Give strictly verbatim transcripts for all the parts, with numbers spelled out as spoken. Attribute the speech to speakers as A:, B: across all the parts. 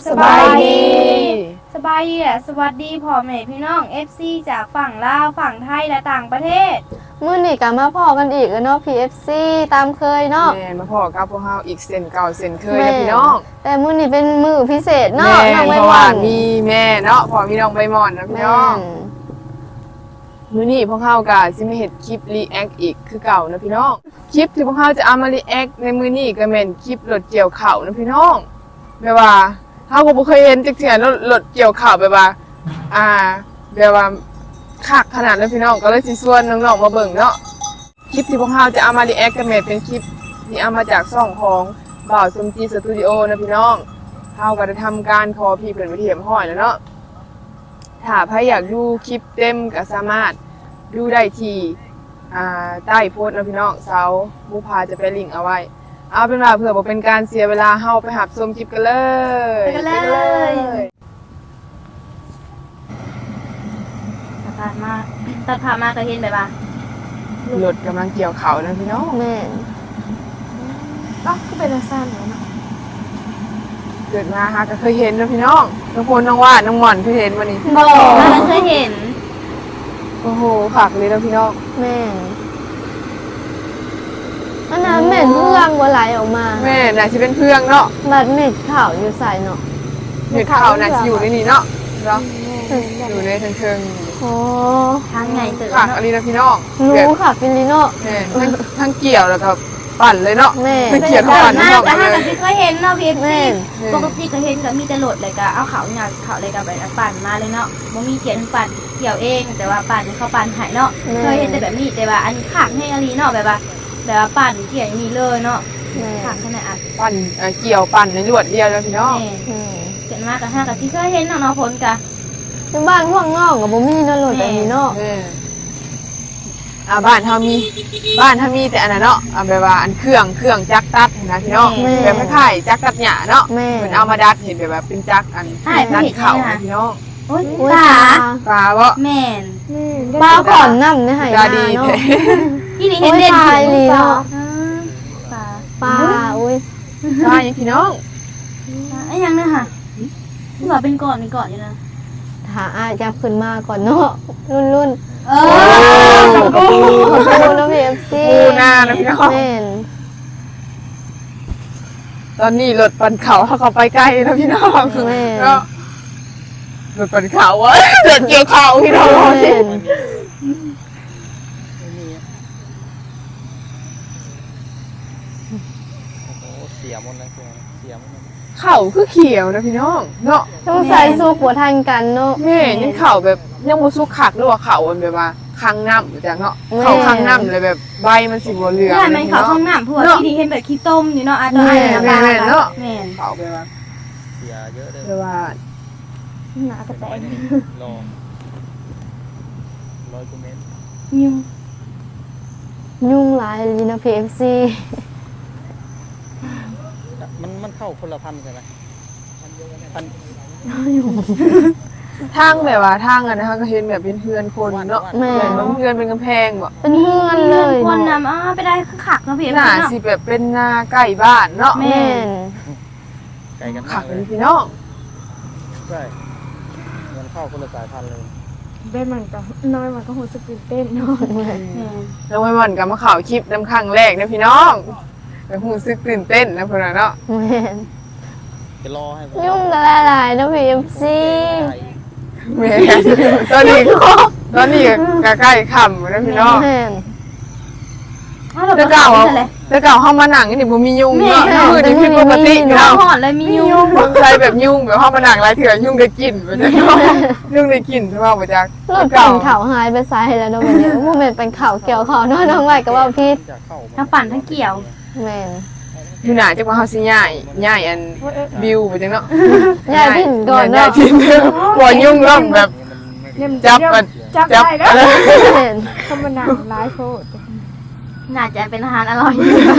A: สบายดี
B: สบายดีอ่ะสวัสดีพ่อแม่พี่น้อง เอฟ ซี จากฝั่งลาวฝั่งไทยและต่างประเทศ
A: มื้อนี้ก็มาพอกันอีกแล้วเนาะ พี เอฟ ซี ตามเคยเนาะ
C: แม่มาพอกับพวกเฮาอีกเส้นเก่าเส้นเคยนะพี่น้อง
A: แต่มื้อนี้เป็นมื้อพิเศษเนาะ
C: แม่
A: น้องใบ
C: เพราะ
A: ห
C: ว่าว
A: าน
C: มีแม่เนาะพอมีน้องใบหมอนนะพี่
A: แม่
C: น้อง
A: น
C: มื้อนี้พวกเฮาก็สิมาเฮ็ดคลิปรีแอคอีกคือเก่านะพี่น้องคลิปที่พวกเฮาจะเอามารีแอคในมื้อนี้ก็แม่นคลิปรถเกี่ยวข้าวนะพี่น้องแบบว่าเฮาก็บ่เคยเห็นจักเทื่อรถรถเกี่ยวข้าวแบบว่าอ่าแบบว่าคักขนาดนั้นพี่น้องก็เลยสิชวนน้องๆมาเบิ่งเนาะคลิปที่พวกเฮาจะเอามารีแอคก็แม่นเป็นคลิปที่เอามาจากช่องของบ่าวสมจีสตูดิโอนะพี่น้องเฮาก็ได้ทำการขอพี่เพิ่นไปเทียมห้อยแล้วเนาะถ้าใครอยากดูคลิปเต็มก็สามารถดูได้ที่อ่าใต้โพสต์นะพี่น้องเสาบุพาจะไปลิงก์เอาไว้เอาเป็นว่าเพื่อบ่เป็นการเสียเวลาเฮาไปหับชมคลิปกันเลย
B: ไปกันเลยตัดผ่านมาตัดผ่านมาก็เห็นแบบว่าร
C: ถกำลังเกี่ยวเขานะพี่น้อง
A: แม่น
B: ก็ก็เป็นสั้นเลยเนาะ
C: เกิดมาหาก็เคยเห็นนะพี่น้องน้องพลน้องว่าน้องหม่อนเคยเห็นวันนี้
A: บ่
B: เราเคยเห็น
C: โอ้โหผักเลยนะพี่น้อง
A: แม่นอันนั้นแม่นเพื่องบ่ไหลออกมา
C: แม่น่าสิเป็นเพื่องเนาะ
A: บัดเม็ดข้าวอยู่ใส่เนาะ
C: เห็ดเขาน่าสิอยู่ในนี้เนาะเนาะอยู่ในเชิง
A: โอ้
B: ทางไงเติร์
C: ๆผักอะไรนะพี่น้องแบบ
A: รู้ค่ะฟิลิโน
C: แม่ทั้งทั้งเกี่ยวแล้วก็ปั่นเลยเนาะ
A: แม่
C: ทั้งเกี่ยวทั้งปั่น
B: ห
C: ทั้
B: น้าง
C: ปั่น
B: ก็
C: เล
B: ห้าย กันที่เคยเห็นเนาะพี่
A: แม่
B: ซีปกติก็เห็นก็มีแต่โหลดเลยก็เอาเขาเนี่ยเขาเลยก็ไปปั่นมาเลยเนาะบ่มีเกี่ยวทั้งปั่นเกี่ยวเองแต่ว่าปั่นเขาปั่นหายเนาะเคยเห็นแต่แบบนี้แต่ว่าอันนี้ขากให้อารีเนาะแบบว่าแบบว่าปั่นเกี่ยวอย่างนี้เลยเนาะ
A: แม่
B: ขากขนาดอ่ะ
C: ปั่นเอ่อเกี่ยวปั่นในลวดเดียวแล้วพี่น้อง
B: แม่
A: อืม
B: เกิดมากับห้ากับที่เคยเห็นน้องๆผลกะ
A: ที่บ้านพวกน้องก็บ่มีเนาะรถแบบนี้เนาะ
C: แม่อ่าบ้านเฮามีบ้านเฮามีแต่อันนั้นเนาะอ่าแบบว่าอันเครื่องเครื่องจักรตัดนะพี่น้องแบบคล้ายๆจักรตัดหญ้าเนาะ
A: แม่
C: เหมือนเอามาดัดเห็นแบบว่าเป็นจักรอันดัดเข่านะพี่น้อง
B: โอ๊ย
A: อุ้ย
B: ตา
C: ปลาบ่
B: แม่น
A: ปลาขอนน้ำในไห
C: ปลา
A: นา
C: ดี
A: เนาะ
C: แท้
B: ที่นี่เห็นเด่น
A: โอ้ยตายเลยเนาะ
B: อ่าปลา
A: ปลาอุ้ย
C: ปลาอย่างพี่น้อง
B: ไอ้ยังเนี่ยค่ะที่ว่าเป็นก่อนเป็นก่อนอยู่นะ
A: หาอาจับขึ้นมาก่อนเนาะรุ่นรุ่น
B: เอ
A: ข
B: อ
A: อบคุณขอบคุณนะพีเอฟซี
C: ปูนานะพี่น้อง
A: แม่น
C: ตอนนี้รถปั่นเขาเขาเข้าไปใกล้แล้วพี่น้อง
A: แม่น
C: ก็รถปั่นเขาวะรถเกี่ยวเขาพี่น้อง
A: แม่น
D: โอ้โหเสียหมดเลยเสียหมดเลย
C: เขาคือเขียวนะพี่น้องเนาะ
A: ต้องใส่สู้หัวทันกันเนาะ
C: แม่ยังเข่าแบบยังบ่สุกขักหรือว่าเข่ามันแบบว่าคังน้ำอยู่จังเนาะ
A: แม่
C: เข่าคังน้ำเลยแบบใบมันสิบ่เหลือง
B: เนี่ยมันเขาข้างหน้าพวกที่นี่เห็นแบบขี้ต้มอยู่เนาะอ่ะตัวไอ้นะปลา
C: แม่นเนาะ
B: แม่น
C: เข่าไปว่า
D: เสียเยอะเลย
C: แบบว่า
B: หนากระแต
D: ร้อย
B: ง
D: หนึ่งรอร้อยกว่าเมตร
B: ยุ่ง
A: ยุ่งหลายเลยนะพีเอฟซี
D: มันมันเข้าคนละพันใช่ไหมพัน
C: ทางแบบว่าทางอะนะคะก็เห็นแบบเป็นเพื่อนคนเนาะ
A: แม่
C: เหมือนว่าเพื่อนเป็นกำแพงบ่
A: เป็นเพื่อนเลย
B: คน
A: เนาะ
B: นำอ่าไปได้คือขักเนาะพี่เอฟ
C: หน้า
B: ซีเนาะ
C: สิแบบเป็นหน้าใกล้บ้านเนาะ
B: แม่
A: แม่น
D: ไกลกัน
C: ขั
D: มาก ก
C: เล
D: เลย ย
C: พี่น้อง
D: ใช่มันเข้าคนละสายพันธุ์เลย
E: เบ้นมันก็น้อยมันก็หูสตื่นเต้นเนาะ
B: แม่น
C: แล้ววันวันกับมาข่าวคลิปน้ำครั้งแรกนะพี่น้องแบบหูซึกตื่นเต้นนะพวกเราเนาะ
A: แม่น
D: จะรอให้ผม
A: ยุ่งละลายนะพีเอฟซี
C: แม่ตอนนี้ตอนนี้ก็ใกล้ค่ำนะพี่น้อง
A: แม่น
B: อ้าวเรา
C: แต่
B: ก็
C: เก่า
B: เก่า
C: อะ
B: เลย
C: แต่เก่าเข้ามาหนังนี่บ่มียุงเนาะ
A: แม่
C: คือนี่ผิดปกติ
A: แต่
C: เนาะ
B: เราหอนเลยมียุง
C: คนไทยแบบยุ่งแบบเข้ามาหนังหลายเถื่อยุ่งได้กลิ่นไปจังเนาะยุ่งได้กลิ่นใช่ป่าวบ่จัก
A: รถปั่นเข่าหายไปไซส์แล้วเนาะวันนี้โมเมนต์เป็นเข่าเกี่ยวเข่าเนาะน้องใหม่ก็ว่าพี่
D: จะเข้า
B: ทั้งปั่นทั้งเกี่ยว
A: แม่น
C: อยู่หน้าจักว่าเฮาสิย้ายย้ายอันบิวไปจังเนาะ
A: ย้ายถิ่นก่อน
C: ย้า
A: เนาะ
C: ยถิ่นบ่ยุ่งเริ่มแบบ
E: เนี่ยมัน
C: จับมัน
E: จับ
C: จับ
E: ได้แล้ว
C: อะไร
A: แม่น
E: ธรรมดาร้ายโพด
B: น่าจะเป็นอาหารอร่อย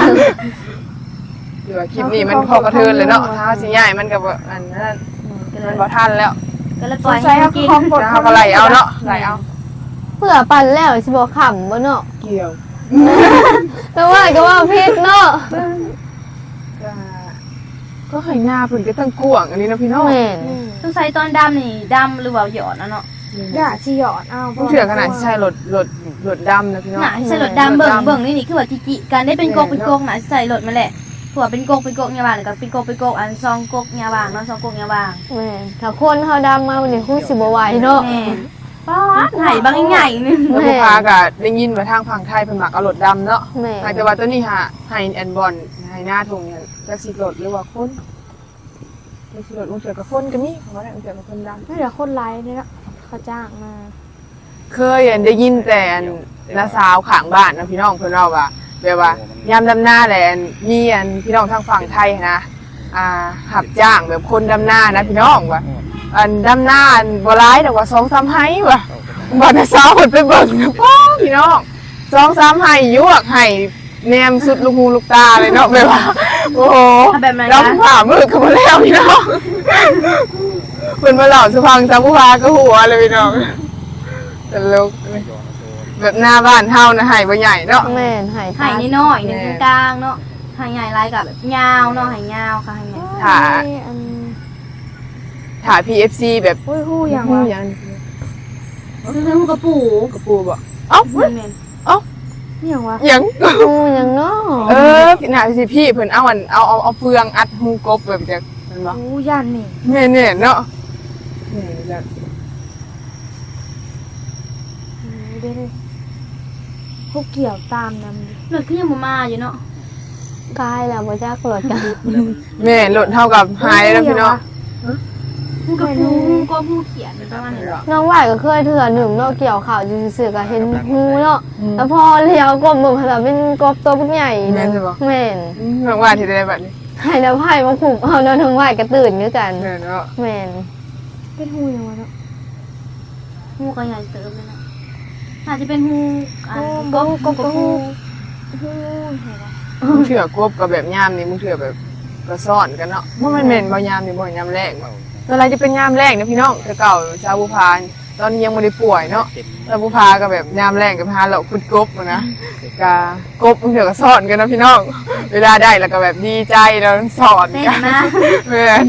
C: เดี๋ยวคลิปนี้มันพอกระเทือนเลยเนาะถ้าสิย้ายมันก็บ่อันนั้นมันบ่ทันแล้ว
B: ก็เลย
E: ส
B: ปล่อย
E: ง
B: ให้
E: สัย
B: มั
E: เขา
B: นกิน
E: คล้องบท
C: แล้วเขาก็ไหลเอาเนาะไหลเอา
A: เพื่อปั่นแล้วสิบ่ขำบ่เนาะ
C: เกี่ยว
A: แต่ว่าก็ว่าพิษเนาะ
C: ก็
E: ค
C: ก็ให้หน้าเพิ่นก็ตั้งกว้างอันนี้นะพี่น้อง
A: แม่น
B: ต้องใส่ตอนดำนี่ดำหรือว่าหยอดนะเนาะ
E: อย่าสิหยอดเอา
C: ต้องเชื่อขนาดที่ใช้รถรถรถดำนะพี่น้อง
B: หนาใส่รถดำเบิ่งเบิ่งนี่นี่คือว่าจิจิการได้เป็นกกเป็นกกหนาใส่รถมาแหละผัวเป็นกกเป็นกกเนี่ยว่างแล้วก็เป็นกกเป็นกกอันซองกกเนี่ยว่างเนาะซองกกเนี่ยว่าง
A: แม่นถ้าคนเฮาดำมาวันนี้คงสิบ่ไหวเนาะ
B: แม่ป๊าดไห่บางใหญ่ๆนึง
C: แล้วผู้พาก็ได้ยินว่าทางฝั่งไทยเพิ่นมักเอารถดำเนาะ
A: แม่น
C: แต่ว่าตัวนี้หาให้แอนบอลให้หน้าทงเนี่ยจักสิรถหรือว่าคนจักสิรถลงเสือกับคนก็มีเพราะว่าลงเสือกับคนดำ
E: ไม่เหลือคนไลฟ์เนี่ยนะเขาจ้างมา
C: เคยอันได้ยินแต่อันน้าสาวข้างบ้านนะพี่น้องเพิ่นเล่าว่าแบบว่ายามดำหน้าแหละอันมีอันพี่น้องทางฝั่งไทยนะอ่าหับจ้างแบบคนดำหน้านะพี่น้องว่าอันดำหน้าอันบ่ร้ายแต่ว่าสองสามไห้ว่ะบ่น้าสาวเพิ่นไปเบิ่งนะพ่อพี่น้องสองสามไห้ยวกไห้แนมสุดลูกหูลูกตาเลยเนาะแบบว่าโอ้โห
B: ถ้าแบบนั้น
C: เรา
B: นะ
C: ผ่ามือกันมาแล้วพี่น้องเพิ่นมาเล่าสุพังจำผู้พาก็หัวเลยพี่น้องแต่ลูกแบบหน้าบ้านเฮานะไห้บ่ใหญ่เนาะ
A: แม่นหาย
B: ไห่นิดหน่อยหนึ่งกลางเนาะไห่ใหญ่ลายกับแบบยาวเนาะไห่ยาวค่ะไห่ใหญ่
C: ถ้า
E: อัน
C: ถ้า พี เอฟ ซี แบบ
E: อุ้ยฮู้อย่าง
C: ฮู้
E: วะ
C: หยัง
B: คือเรื่องกระปู
C: กระปูบ่เอ้า
B: แม่น
E: อย่างวะ
C: หยัง
A: ฮู้หยังเนาะ
C: เออพี่น่าสิพี่เพิ่นเอาอันเอาเอาเอาเฟืองอัดหูกบแบบจังมันบ่
E: ฮู้ย่านนี่
C: แม่นๆเนาะนี่จ้ะ
E: อืมเด้เลยพวกเกี่ยวตามนำดิ
B: ๆรถขึ้นยังบ่มาอยู่เนาะ
A: กายแล้วบ่จักรถกัน
C: แม่รถเท่ากับหายแล้วพี่น้อง
B: ฮู้กระปูฮู้ก็ฮู้เขียนประมาณนี้
A: น้องไหวก็เคยเถื่อหนึ่งเนาะเกี่ยวข่าวอยู่ซื่อๆก็เห็นฮูเนาะแล้วพอเลี้ยวกบมือพลัเป็นกบตัวบักใหญ่
C: แม่นใช่บ่
A: แม่น
C: น้องว่าที่ได้บัดนี้
A: ให้น้ำไผ่มาผูกเอาเนาะน้องไหวก็ตื่นคือกัน
C: แม่นเนาะ
A: แม่น
E: เป็นฮู้อย่างวะเนาะ
B: ฮู้ก็ใหญ่เติมเลยนะอาจจะเป็นฮู้อัน
E: โอ้
B: ก
E: บ่
B: บ
E: ฮู้
B: ก
E: ก็
B: บ
E: ก็
B: ฮู้
E: ฮู้ฮู้เหรอวะ
C: มึงเถื่อกบกับแบบยามนี่มึงเถื่อแบบก็ซ่อนกันเนาะว่ามันเหม็นบ่ยามนี่บ่ยามแรกตอนไรจะเป็นยามแรกนะพี่น้องแต่เก่าชาวบุพานตอนนี้ยังไม่ได้ป่วยเนาะชาวบุพาก็แบบยามแรกกับพาเราขุดกบอะนะกากบมึงเถื่อก็ซ่อนกันนะพี่น้องเวลาได้แล้วก็แบบดีใจแล้วสอน
B: เต้น
C: กัน
B: นะ
C: เพื่อน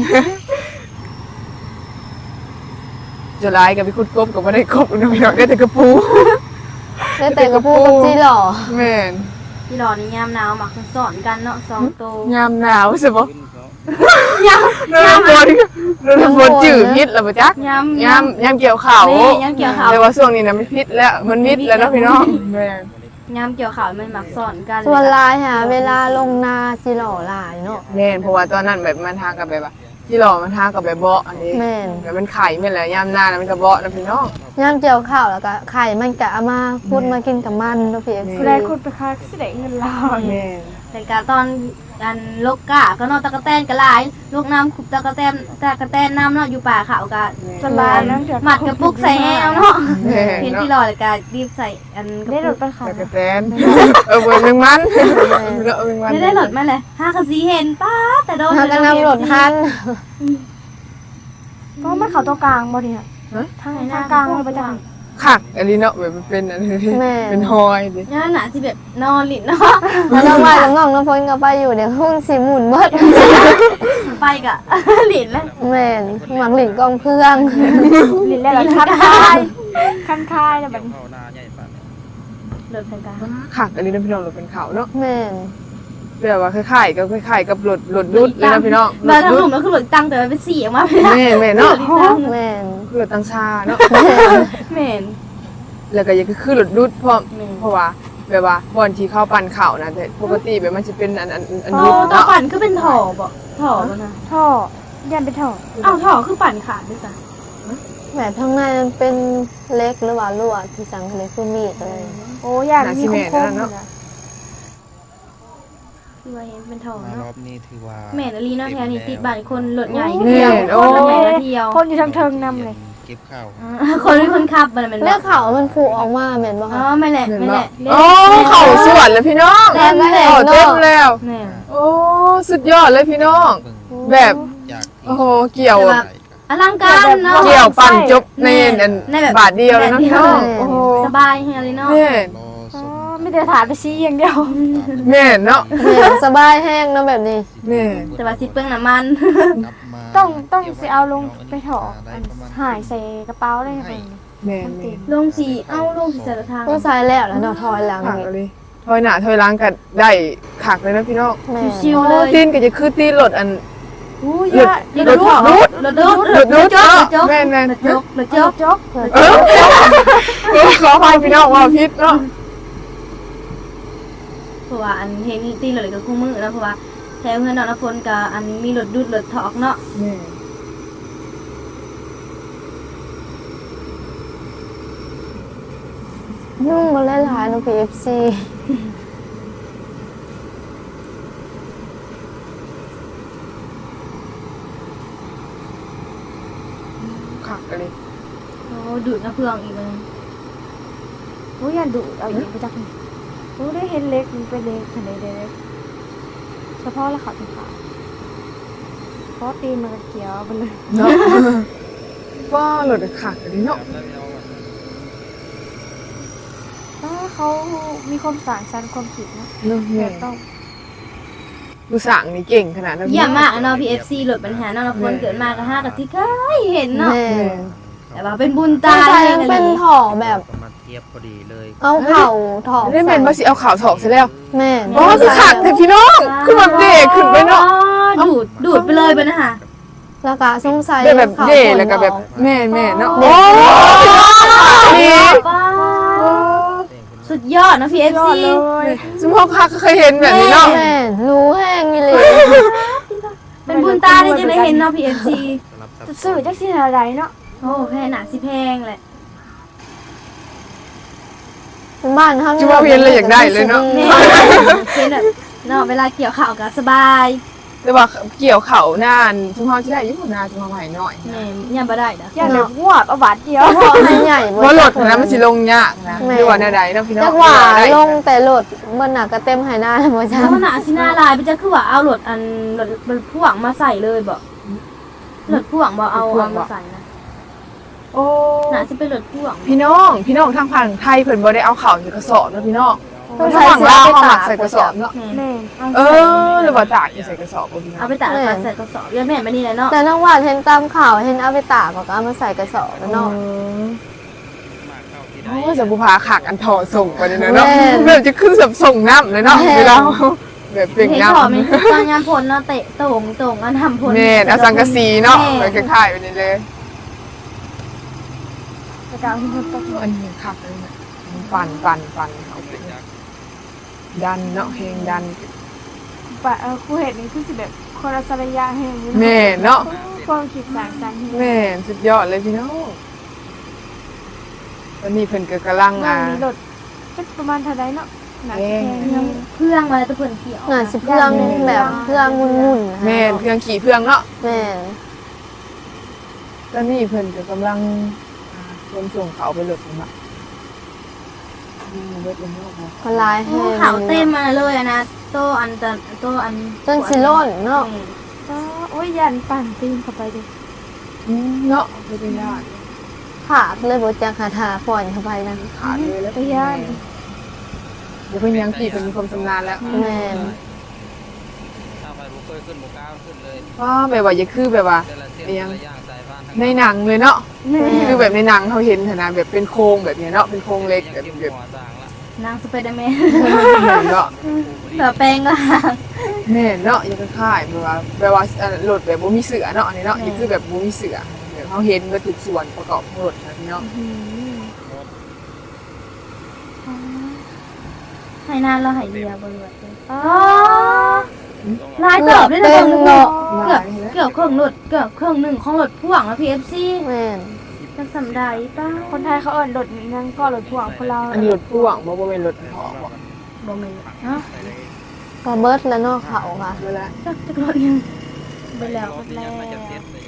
C: จะร้ายกับไปขุดกบกับไม่ได้กบนะพี่น้องได้แต่กระปู
A: ได้แต่กระพูกับจีหล่อ
C: แม่น
B: ที่รอนี่ยามหนาวมักสอนกันเนาะสองโตวย
C: ามหนาวใช่ปะยามยามฝนยามฝนจืดพิษแล้วปะจ๊ะ
B: ยาม
C: ยามยามเกี่ยวข่าว
B: แม่ยามเกี่ยวข่าว
C: แต่ว่าช่วงนี้นะไม่พิษแล้วมันมิดแล้วเนาะพี่น้องแม่น
B: ยามเกี่ยวข่าวมันมักสอนกัน
A: ส่วนลายค่ะเวลาลงนาจีหล่อหลายเนาะ
C: แม่นเพราะว่าตอนนั้นแบบมันทากับแบบว่าที่หล่อมันทากับแบบเบาะอันนี้
A: แม่น
C: แบบมันไข่ไม่นแหละยามหน้าแล้วมันก็เบาะนะพี่น้อง
A: ย่ำเจียวข้าวแล้วก็ไข่มันกะเอามาพูดมากินกับมันเนาะพี่เอฟ
E: แส
A: ซี
E: ดงคุณไปค้าแสดงเงินเรา
C: แม่น
B: แต่การตอนกันลกกะก็เนอนตะกะแตนกะหลายลูกน้ำขุบตะกะแตนตะกะแตนน้ำเนาะอยู่ป่าเขากะ
E: สบายแล้วเดี๋ยว
B: หมัดกระปุกใส่แอวเนาะ
C: แม่น
B: เห็นที่
C: เนาะ
B: รอเลยกะรีบใส่อันก
E: ได้
B: ระ
E: ร
B: ปุ
E: ถ
B: ก
E: ไปขาย
C: ตะกะแตนเออเบอร์หนึ่งมันเออเบอร์หนึ่งมัน
B: ไม่ได้หลดมาเลยห้ากะสีเห็นป้าแต่โดน
A: พากันนำรถทัน
E: เพราะมันเขาตัวกลางบ่เนี่ยทางทางกลางมันไปจัง
C: คักอันนี้เนาะแบบมันเป็นอันนี้เป็นหอยดิ
B: ย่าหนาสิแบบนอนหลินเนาะ
A: แล้วน้องวายกับน้องน้ำพ้นก็ไปอยู่เดี๋ยวหุ้นสีหมุนเบิด
B: ไปกะ หลินแล้ว
A: แม่นหมักหลินกองเพื่อง
E: ลิ้นแล้วคันคายคันคายแล้วแบบ
D: เข้าหน้าใหญ่ปานนี้
B: หลดไปกะ
C: คักอันนี้นะพี่น้องรถเป็นเขาเนาะ
A: แม่น
C: แบบว่าคล้ายๆกับคล้ายๆกับรถรถดุดเลยนะพี่น้องร
B: มา
C: ถ
B: ทาง
C: ดุ
B: ห
C: ด
B: ลุมแล้วคือหลดตังแต่มันเป็นสีออกมาไม่ได้
C: แม่นแม่นเนาะ
A: แม่น
C: รถตังชาเนาะ
B: เหม็น
C: แล้วก็ยังคือรถดุดเพราะ
B: แม่น
C: เพราะว่าแบบว่าบอนที่เข้าปั่นเข่านะแต่ปกติแบบมันจะเป็นอันอันอัน
B: อ๋อ
C: ดุด
B: ตัว
C: เนาะ
B: ปั่นคือเป็นถ่อบ่ถ่อบ่นะ
E: ท่อยันไปท่อ
B: อ้าวถ่อคือปั่นขาดด้วยจ้ะ
A: แบบข้างในมันเป็นเล็กหรือว่าลวดที่สังเล็กคือมีดเลย
E: โอ้ยันมีคมคมนะ
B: คือว่าเห็นเป็นถ่อ
D: มาร
B: เนาะ
D: อบนี้ถือว่า
B: แม่นอลีเนาะแถวนี้ติดบ้านคนรถใหญ่
C: แม่นโอ้
B: คนรถใหญ่มาเที่ยว
E: คนอยู่ทางเทิงนำเลย
D: เก็บข้าว
B: อ่าคนเป็นคนขับมันเป็น
A: เลือกเขามันผูกออกมาแม่นบ่
B: อ๋อ
A: คะ
B: ไม่แหละไม่แหละ
C: โอ้เข่าสวนเลยพี่น้อง
A: เต็มแล้ว
C: โอ้เต็มแล้ว
B: แม่
C: โอ้สุดยอดเลยพี่น้อง
D: เบิ่ง
C: แบบ
D: จาก
C: โอ้โหเกี่ยว
B: แบบอลังการเนาะ
C: เกี่ยวปั่นจบใน
B: แม่
C: อัน
B: ในแบบ
C: บาทเดียวเลยนะพี่น้องโอ้โห
B: สบายเฮียเลยเนาะ
C: แม่
D: รอ
E: อ๋
D: ส
E: อ
D: ม
E: ไม่ได้แต่ถ่ายไปชี้อย่างเดียว
C: แม่นเนาะ
A: แม่นสบายแห้งเนาะแบบนี้
C: แม่
B: แต่ว่าสิเปลืองน้ำมัน
E: ต้องต้องสิเอาลงไปถอดอันหายใส่กระเป๋าได้ไหม
C: แม่น
E: มัน
C: แม่
E: ติด
C: น
B: ลงสีเอ้าลงสีแต่ละทาง
A: ต้องใส่แล้วแล้วเนาะถอยหลัง
C: ขัก
A: นี่
C: เลยถอยหน้าถอยหลังก็ได้ขักเลยนะพี่น้อง
A: แม่น
B: ชิวๆเลย
C: ตีนก็จะคือตีนรถอัน
E: อู้ย
C: หลุด
E: ยะ
B: รถดูดรถดูด
C: รถดูด
B: รถ
C: เนาะ
B: จก
C: แม่นแม่น
B: รถจกรถจ
E: เจ้าก จ๊อก
C: เออเออขออภัยพี่น้องว่าพิษเนาะ
B: เพราะว่าอันเห็นตีรถเลยกับคู่มือแล้วเพราะว่าแถวเงินนอนฝนกับอันมีรถดูดรถถอกเนาะ
C: แม่
A: นุ่งมาหลายๆเนาะ พี เอฟ ซี
C: ขักเลย
B: โอ้ดูดน้ำเพื่องอีกเลย
E: อู้ยันดุเอาอย่างไปจักนี่อู้ได้เห็นเล็กมันเป็นเล็กขนาดเล็กเฉพาะละขาเป็นขาวเพราะตีนมันก็เขียวไปเลย
C: เนาะว่ารถขักเลยเนาะ
E: ถ้าเขามีความสร้างสรรค์ความคิดนะ
C: เนาะ
E: แบ
C: แม่
E: บต้อง
C: ดูสั่งนี่เก่งขนาดนั้น
B: เยี่ยมมากเนาะ พี เอฟ ซี รถปัญหานอนฝนเกิดมาก็ห้ากับที่เคยเห็นเนาะ
A: แม่
C: แม่
A: น
B: แต่ว่าเป็นบุญ
A: ต้อ
B: ตาง
A: ใส่
B: ให้
A: ยัง
B: กัน
A: เป็น
B: เลย
A: ถ่อแบบ
D: มาเทียบพอดีเลย
A: เอาเข่าถ่อ
C: ได้เป็นมาสิเอาข่าวถอกซะแล้ว
A: แม่น
C: อ๋อคือขักแต่พี่น้องคือแบบเด็กขึ้นไปเนาะ
B: อ๋อดูดดูดไปเลยไปนะคะ
A: แล้วก็สงสัย
C: ได้แบบ
A: ข่า
C: เย่
A: ฝน
C: แล้วก็แบบ
A: ออ
C: แม่แม่เนาะ
A: โอ้
C: นี่
B: ป้าสุดยอดนะ พี เอฟ
E: ยอด
B: ซี
E: เลย
C: สมพงษ์ค่ะก็เคยเห็นแบบนี้เนาะ
A: แม่นรู้แห้งนี่เลย
B: เป็นบุญตาที่จะได้เห็นเนาะ พี เอฟ ซี
E: จะซื้อจักสิอะไรเนาะ
B: โอ้แพงหนาสิแพงแหละ
A: บ้านเขา
C: จิว่าเวียนเลยอยากได้เลยเนาะ
B: แม่เป็นแบบเนาะเวลาเกี่ยวข่าวก็สบาย
C: แต่ว่าเกี่ยวเขานานสมพงษ์ที่ได้อยุ่งนานสมพงษ์ใหม่หน่อย
B: แม่เนี่ยบ่ได้เด้อ
E: อย่าแบบงวบเอาบาทเดียว
A: พอให้ใหญ่
C: เพราะรถนะมันสิลงยากนะ
A: แม่
C: ดีกว่าแนวใดเนาะพี่น้อง
A: จักว่า
C: ได้
A: ลงแต่รถมันหนักก็เต็มหายหน้าแล้วบ่จ้า
B: แล้วหนาสิหน้าลายไปจะคือว่าเอารถอันรถรถพ่วงมาใส่เลยบ่รถพ่วงบ่เอาเอามาใส่นะ
C: โอ้
B: หนาสิเป็นรถพ่วง
C: พี่น้องพี่น้องทางฝั่งไทยเพิ่นบ่ได้เอาเข่าใส่กระสอบเนาะพี่น้อง
A: ต้อง
C: ทา
A: ใส่
C: งฝั่ง
A: เสื้อ
C: ลาว
A: ไป
C: เขาหมั
A: ตาก ก
C: ใส่กระสอบเนาะ
B: แม่
E: แม่
C: เออหรือว่าตากอยู่ใส่กระสอบบ่พี่น้อง
B: เอาไปตากแล้วก็ใส่กระสอบยาแม่มานี่แหละเนาะ
A: แต่น้องว่าเห็นตามข่าวเห็นเอาไปตากก็เอามาใส่กระสอบแล้วเนาะ
C: โอ้ยจะบุพาขักอันถอส่งไปเลยเนาะ
A: แม่
C: แบบจะขึ้นแบบส่งน้ำเลยเนาะ
A: แม่
C: เวลาแบบเปล่ง
B: เห็น
C: น้
B: ชอบมันคือตอนยามพลเนาะเตะตรงตรงอันทำพล
C: ำแม่นเอาสังกะสีเนาะ
B: แม่
C: แบบคล้ายๆไปนี่เลย
E: กระเป๋าที่มันต้อง
C: อันนี้ขักเลยนะปั่นปั่นปั่นเอาไปดันเนาะเพลงดัน
E: ปะเออครูเห็นนี่คือสิแบบคนละสระยะแห่งนี้
C: แม่เนาะ
E: ความคิดสร้างสรรค์
C: แม่สุดยอดเลยพี่น้องตอนนี้เพิ่นก็กำลัง
E: นั่
C: อ่าง
E: มีรถจักประมาณเท่าใดเนาะหนักแพง
B: เครื่องเครื่องมาแล้วตะเพิ่นเขียว
A: หน่าสิเพื่องแบบเพื่องงุ่นๆนะคะ
C: แม่นเครื่องขี่เพื่องเนาะ
A: แม่น
C: ตอนนี้เพิ่นก็กำลังอ่าคนส่งเขาไปหลดนี่ละอืมเบิดเลยเนาะ
A: คนลายแห้ง
B: ขาวเต็มมาเลยอะนะโตอันตะโตอัน
A: จนสิโล่นเนาะ
E: อ๋อโอ้ยยันปั่นตีนเข้าไปดิ
C: อืมเนาะไม่ได้ยาก
A: ขาดเลยบ่จักหาทาฝอนเข้าไปนะ
C: ขาดเลยแล้ว
E: ไปย่าน
C: เดี๋ยวเพิ่นยังขี่เพิ่นมีความชำนาญแล้ว
A: แม่น
D: ถ้าไปบุกเคยขึ้นบุกก้าวขึ้นเลย
C: ว่าแบบว่าอย่าคือแบบว่า
D: เดือนละเส้น
C: เอียง
D: ละย่างสายพานทั้ง
C: ในหนังเลยเนาะ
E: แม่
C: คือแบบในหนังเขาเห็นเถอะนะแบบเป็นโครงแบบเนี้ยเนาะเป็นโครงเล็ก
D: ยัง
C: แบบ
D: กิน
C: แบบ
D: หัวต่างละ
B: นางสไปเดอร์แมน
C: แม่นเนาะ
B: เผื่อแปลงก็หาง
C: แม่นเนาะยังคล้ายๆแบบว่าแบบว่าเอ่อรถแบบบ่มีเสือเนาะอันนี้เนาะนี่คือแบบบ่มีเสือแบบเขาเห็นก็ทุกส่วนประกอบของรถนะพี่เนาะ
E: อืม
B: ให้นานแล้วให้เรียบริวารเลย
E: อ๋อ
B: ลายเติบด้วยนะ
A: เต็มเนาะ
B: เกือบเกือบเครื่องรถเกือบเครื่องหนึ่งของรถพ่วงแล้ว พี เอฟ ซี
A: แม่น
B: จังสำได้ป้า
E: คนไทยเขาเอิ้นรถนั่งก็รถพ่วงคนเรา
C: อันนี้รถพ่วงบ่บ่เป็นรถถอกบ่
B: บ่แม่นเนาะ
A: ก็เบิดแล้วเนาะเขาค่ะ
C: เวลา
B: จักจักรถยังไปแล้ว
D: ที่ยังไม่จะเสร็จเลย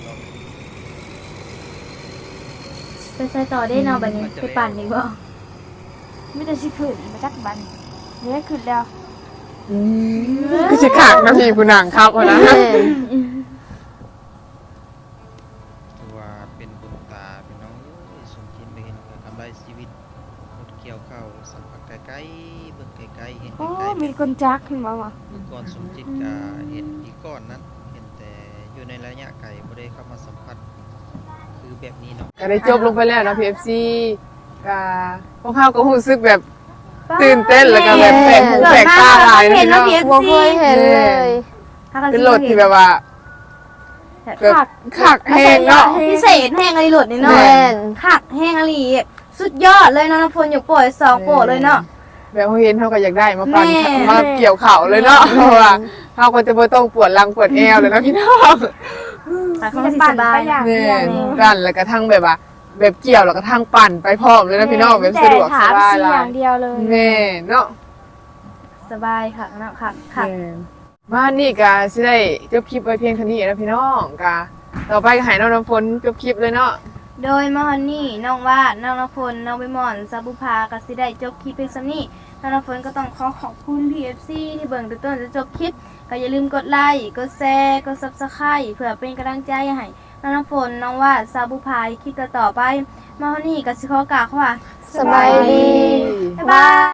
B: ไปใส่ต่อได้เนาะบัดนี้ไปปั่นอีกบ่
E: ไม่ได้สิขึ้นมาจักบันเนี่ยขึ้นแล้ว
C: อืมคือสิขากนะพี่ผู้นางครับว่านะ
A: แม่น
D: ถือว่าเป็นบุญตาพี่น้องเอ้ยสมคิดไปเห็นกับกำไรชีวิตรถเกี่ยวข้าวสัมผัสใกล้ๆเบิ่งใกล้ๆเห็น
E: โอ้
D: ใกล้ๆ
E: มีคนจักขึ้นมาว่ะ
D: เมื่อก่อนสมจิตก็เห็นอีกก้อนนั้นเห็นแต่อยู่ในระยะไกลบ่ได้เข้ามาสัมผัสคือแบบนี้เนาะ
C: ก็ได้จบลงไปแล้วเนาะ พี เอฟ ซี ก็พวกเขาก็รู้สึกแบบตื่นเต้นแล้วก็แบบแปลกหูแปลกตาหลาย
B: เห็น
C: เนาะ
B: เนาะ พี เอฟ
A: บ่
B: ซี
A: เคยเห็นเลย
C: เป็นรถที่แบบว่าแบบคักแฮงเนาะ
B: พิเศษแห้งอะไรหลุดนี่เนาะ
A: แม่น
B: คักแห้งอะไรสุดยอดเลยเนาะน้ำฝนอยู่ป่วยสองโปะเลยเนาะ
C: แบบเขาเห็นเขาก็อยากได้มาปั่น
B: แม่
C: มาเกี่ยวเข่าเลยเนาะเพราะว่าเขาก็จะบ่ต้องปวดหลังปวดแอวเลยเนาะพี่น้อง
B: แต่เขา
E: มัน
B: สิ
E: ปั่
B: ส
E: น
B: บา
E: ไป
B: ย
E: อย่าง
C: แม่
E: เดียวเลย
C: กันแล้วก็ทั้งแบบว่า แบบเกี่ยวแล้วก็ทั้งปั่นไปพร้อมเลยนะพี่น้องแบบสะดวกสบาย
E: แต่ถามสิ
C: หลา
E: อย ย่างเดียวเลย
C: แม่เนาะ
B: สบายค่ะเนาะค่ะค่ะ
C: แม่มานี่ก็สิได้จบคลิปไว้เพียงเท่านี้นะพี่น้องก็ต่อไปก็ให้น้องน้ำฝนจบคลิปเลยเนาะ
B: โดยมาฮอนนี่น้องว่าน้องน้ำฝนน้องใบหมอนซาบุพาก็สิได้จบคลิปเพียงซ้ำนี้น้องน้ำฝนก็ต้องขอขอบคุณ พี เอฟ ซี ที่เบิ่งจนต้นจะจบคลิปก็อย่าลืมกดไลค์กดแชร์กด ซับสไครบ์ เพื่อเป็นกำลังใจให้น้องน้ำฝนน้องว่าซาบุพาคลิปต่อๆไปมาฮอนนี่ก็สิขอกล่าวคำว่า
A: สบายดี
B: บ๊ายบาย